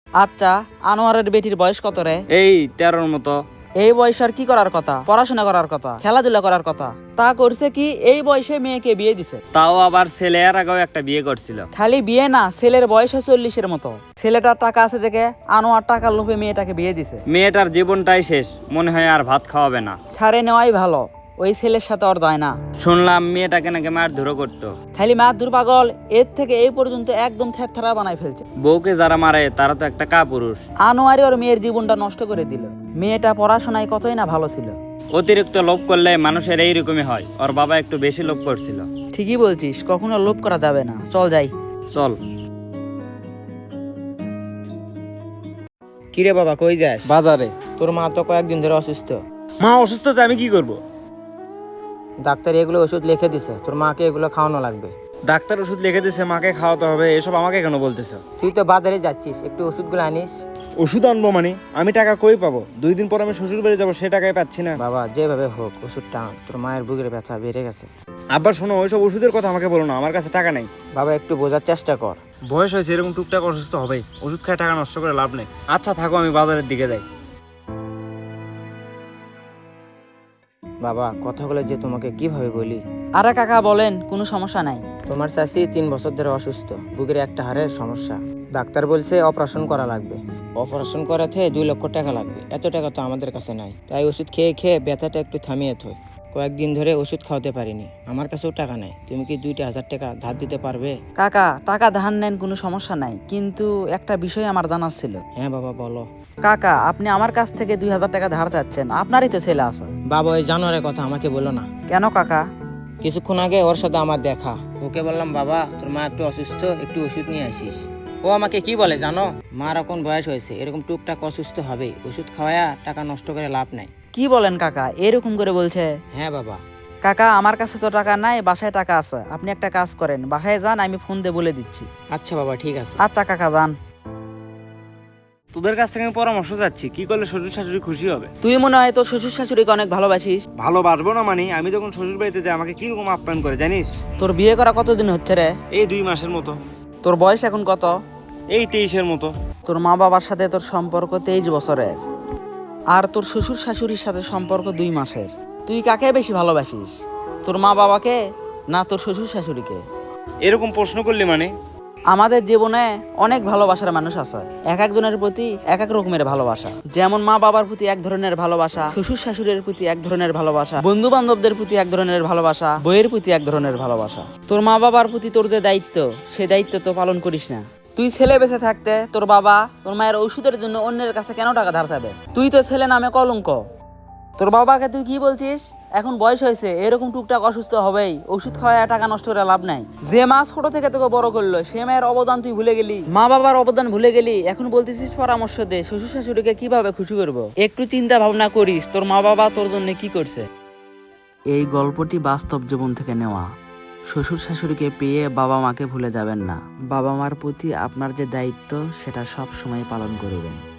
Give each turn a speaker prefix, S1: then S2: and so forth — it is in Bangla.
S1: আচ্ছা, আনোয়ারের বেটির বয়স কত রে?
S2: এই 13-র মতো।
S1: এই বয়সে আর কি করার কথা? পড়াশোনা করার কথা, খেলাধুলা করার কথা। তা করছে কি, এই বয়সে মেয়েকে বিয়ে দিছে।
S2: তাও আবার ছেলে এর আগেও একটা বিয়ে করছিল।
S1: খালি বিয়ে না, ছেলের বয়স 40-এর মতো। ছেলেটার টাকা আছে দেখে আনোয়ার টাকার লোভে মেয়েটাকে বিয়ে দিছে।
S2: মেয়েটার জীবনটাই শেষ, মনে হয় আর ভাত খাওয়াবে না।
S1: ছাড়ে নেওয়াই ভালো, ওই ছেলের সাথে ওর যায় না।
S2: শুনলাম মেয়েটাকে নাকি মারধরও করতো।
S1: খালি মারধর পাগল, এর থেকে এই পর্যন্ত একদম থেরথেরা বানাই ফেলছে।
S2: বউকে যারা মারে তারা তো একটা কাপুরুষ।
S1: আনোয়ারই ওর মেয়ের জীবনটা নষ্ট করে দিল। মেয়েটা পড়াশোনায় কতই না ভালো ছিল।
S2: অতিরিক্ত লোভ করলে মানুষের এইরকমই হয়। ওর বাবা একটু বেশি লোভ করছিল।
S1: ঠিকই বলছিস, কখনো লোভ করা যাবে না। চল যাই।
S2: চল।
S3: কিরে বাবা, কই যাস?
S4: বাজারে।
S3: তোর মা তো কয়েকদিন ধরে অসুস্থ।
S4: মা অসুস্থ, আমি কি করব?
S3: ডাক্তার এগুলো ওষুধ লিখে দিছে, তোর মাকে এগুলো খাওয়ানো লাগবে।
S4: ডাক্তার ওষুধ লিখে দিছে, মাকে খাওয়াতে হবে, এসব আমাকে কেন বলতেছ?
S3: তুই তো বাজারে যাচ্ছিস, একটু ওষুধগুলো আনিস।
S4: ওষুধ আনবো মানে? আমি টাকা কই পাবো? 2 দিন পর আমি শ্বশুর বাড়ি যাবো, সে টাকাই পাচ্ছি না।
S3: বাবা, যেভাবে হোক ওষুধটা আন, তোর মায়ের বুকের ব্যথা বেড়ে গেছে।
S4: আব্বা শোনো, ওইসব ওষুধের কথা আমাকে বলো না, আমার কাছে টাকা নেই।
S3: বাবা, একটু বোঝার চেষ্টা কর।
S4: বয়স হয়েছে, এরকম টুকটাক অসুস্থ হবেই, ওষুধ খায় টাকা নষ্ট করে লাভ নেই। আচ্ছা থাকো, আমি বাজারের দিকে যাই।
S3: বাবা, কথাগুলো যে তোমাকে কিভাবে বলি।
S1: আরে কাকা বলেন, কোনো সমস্যা নাই।
S3: তোমার চাচি 3 বছর ধরে অসুস্থ, বুকের একটা হাড়ের সমস্যা। ডাক্তার বলছে অপারেশন করা লাগবে। অপারেশন করাতে 2 লক্ষ টাকা লাগবে। এত টাকা তো আমাদের কাছে নাই, তাই ওষুধ খেয়ে খেয়ে ব্যথাটা একটু থামিয়ে থই। কয়েকদিন ধরে ওষুধ খাওয়াতে পারিনি, আমার কাছেও টাকা নাই। তুমি কি 2,000 টাকা ধার দিতে পারবে?
S1: কাকা, টাকা ধার নেন, কোনো সমস্যা নাই, কিন্তু একটা বিষয় আমার জানার ছিল।
S3: হ্যাঁ বাবা, বলো।
S1: কাকা, আপনি আমার কাছ থেকে 2000 টাকা ধার চাচ্ছেন, আপনারই তো ছেলে আছে।
S3: বাবা, ওই জানোয়ারের কথা আমাকে বলো না।
S1: কেন কাকা?
S3: কিছুক্ষণ আগে ওর সাথে আমার দেখা। ওকে বললাম, বাবা তোর মা একটু অসুস্থ, একটু ওষুধ নিয়ে আসিস। ও আমাকে কি বলে জানো? মার এখন বয়স হয়েছে, এরকম টুকটাক অসুস্থ হবেই, ওষুধ খাওয়ায়া টাকা নষ্ট করে লাভ নাই।
S1: কি বলেন কাকা, এরকম করে বলছে?
S3: হ্যাঁ বাবা।
S1: কাকা, আমার কাছে তো টাকা নাই, বাসায় টাকা আছে। আপনি একটা কাজ করেন, বাসায় যান, আমি ফোন দিয়ে বলে দিচ্ছি।
S3: আচ্ছা বাবা, ঠিক আছে।
S1: আচ্ছা কাকা, যান।
S4: তোদের কাছ থেকে আমি পরামর্শ চাচ্ছি, কি করলে শ্বশুর শাশুড়ি খুশি হবে?
S1: তুই মনে হয় তোর শ্বশুর শাশুড়িকে অনেক ভালোবাসিস।
S4: ভালোবাসবো না মানে? আমি যখন শ্বশুর বাড়িতে যাই আমাকে কিরকম আপ্যায়ন করে জানিস?
S1: তোর বিয়ে করা কতদিন হচ্ছে রে?
S4: এই 2 মাসের মতো।
S1: তোর বয়স এখন কত?
S4: এই 23-এর মতো।
S1: তোর মা বাবার সাথে তোর সম্পর্ক 23 বছরের, আর তোর শ্বশুর শাশুড়ির সাথে সম্পর্ক 2 মাসের। তুই কাকে বেশি ভালোবাসিস, তোর মা বাবাকে না তোর শ্বশুর শাশুড়িকে?
S4: এরকম প্রশ্ন করলি মানে?
S1: আমাদের জীবনে অনেক ভালোবাসার মানুষ আছে, এক একজনের প্রতি এক এক রকমের ভালোবাসা। যেমন মা বাবার প্রতি এক ধরনের ভালোবাসা, শ্বশুর শাশুড়ির প্রতি এক ধরনের ভালোবাসা, বন্ধু বান্ধবদের প্রতি এক ধরনের ভালোবাসা, বইয়ের প্রতি এক ধরনের ভালোবাসা। তোর মা বাবার প্রতি তোর যে দায়িত্ব, সে দায়িত্ব তো পালন করিস না। তুই ছেলে বেঁচে থাকতে তোর বাবা তোর মায়ের ওষুধের জন্য অন্যের কাছে কেন টাকা ধার চাবে? তুই তো ছেলে নামে কলঙ্ক। তোর বাবাকে তুই কি বলছিস? এখন বয়স হয়েছে, এরকম টুকটাক অসুস্থ হবেই, ওষুধ খাওয়ায় টাকা নষ্ট করে লাভ নাই। যে মা ছোট থেকে তোকে বড় করলো, সে মায়ের অবদান তুই ভুলে গেলি, মা বাবার অবদান ভুলে গেলি। এখন বলতেছিস পরামর্শ দে, শ্বশুর শাশুড়িকে কিভাবে খুশি করবো? একটু চিন্তা ভাবনা করিস, তোর মা বাবা তোর জন্য কি করছে। এই গল্পটি বাস্তব জীবন থেকে নেওয়া। শ্বশুর শাশুড়িকে পেয়ে বাবা মাকে ভুলে যাবেন না। বাবা মার প্রতি আপনার যে দায়িত্ব, সেটা সব সময় পালন করবেন।